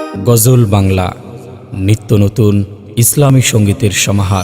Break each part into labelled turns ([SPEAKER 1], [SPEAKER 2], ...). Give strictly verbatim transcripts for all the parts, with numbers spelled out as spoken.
[SPEAKER 1] গজল বাংলা নিত্য নতুন ইসলামী সঙ্গীতের সমাহার।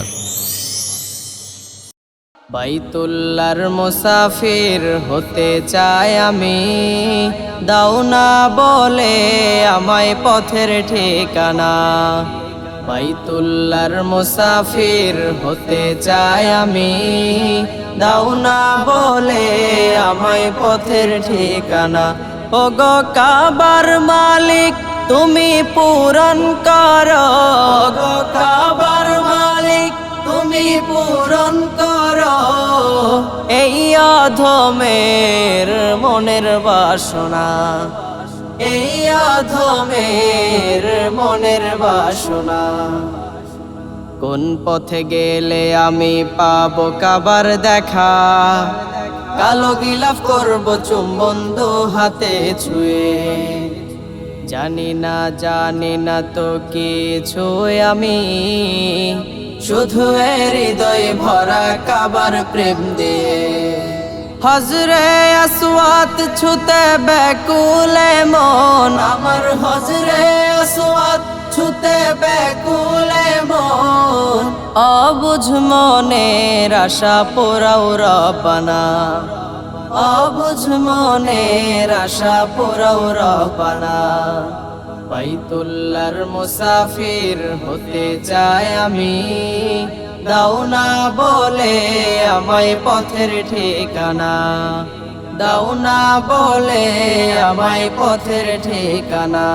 [SPEAKER 2] বাইতুল্লাহর মুসাফির হতে চাই আমি, দাও না বলে আমায় পথের ঠিকানা। বাইতুল্লাহর মুসাফির হতে চাই আমি, দাও না বলে আমায় পথের ঠিকানা। ওগো কাবার মালিক তুমি পূরণ করো, ওগো কাবার মালিক তুমি পূরণ করো এই অধমের মনের বাসনা, এই অধমের মনের বাসনা। কোন পথে গেলে আমি পাবো কাবার দেখা, কালো গিলাফ করবো চুম্বন দু হাতে ছুঁয়ে। জানি না জানি না তো কিছু আমি, শুধু হৃদয় ভরা কাবার প্রেম দিয়ে। হজরে আসওয়াত ছুতে ব্যাকুলে মন আমার, হজরে আসওয়াত ছুতে ব্যাকুলে মন। অবুঝ মনের আশা পোড়াও রব্বানা, অবুঝ মনের আশা পোড়াও রব্বানা। বাইতুল্লাহর মুসাফির হতে চাই আমি, দাও না বলে আমায় পথের ঠিকানা, দাও না বলে আমায় পথের ঠিকানা।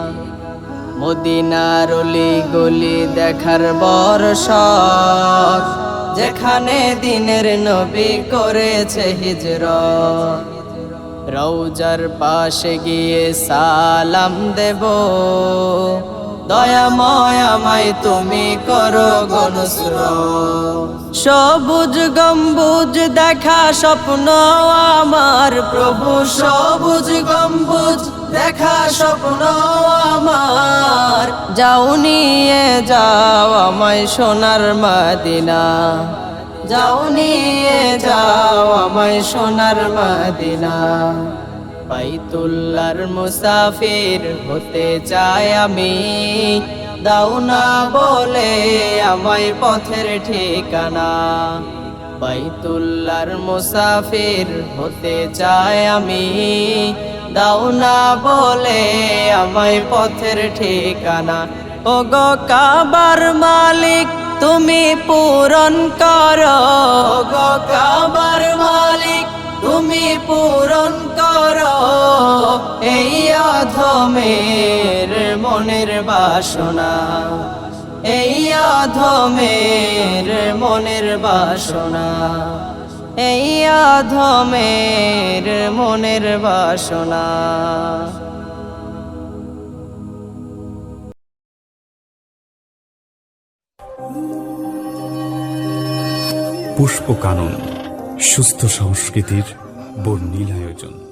[SPEAKER 2] মদিনার অলি গলি দেখার বড় শখ, যেখানে দিনের নবী করেছে হিজরত। রওজার পাশে গিয়ে সালাম দেব, দয়াময় আমায় তুমি করো গো নুসরত। সবুজ গম্বুজ দেখা স্বপ্ন আমার প্রভু, সবুজ গম্বুজ দেখা স্বপ্ন আমার। যাও নিয়ে যাও আমায় সোনার মদিনা, যাও নিয়ে যাও আমায় সোনার মদিনা। বাইতুল্লাহর মুসাফির হতে চাই আমি, দাও না বলে আমায় পথের ঠিকানা। বাইতুল্লাহর মুসাফির হতে চাই আমি, দাও না বলে আমায় পথের ঠিকানা। ওগো কাবার মালিক তুমি পূরণ করো, ওগো কাবার মালিক তুমি পূরণ করো এই অধমের মনের বাসনা, এই অধমের মনের বাসনা, এই অধমের মনের বাসনা।
[SPEAKER 3] পুষ্পকানন সুস্থ সংস্কৃতির বর্ণিল আয়োজন।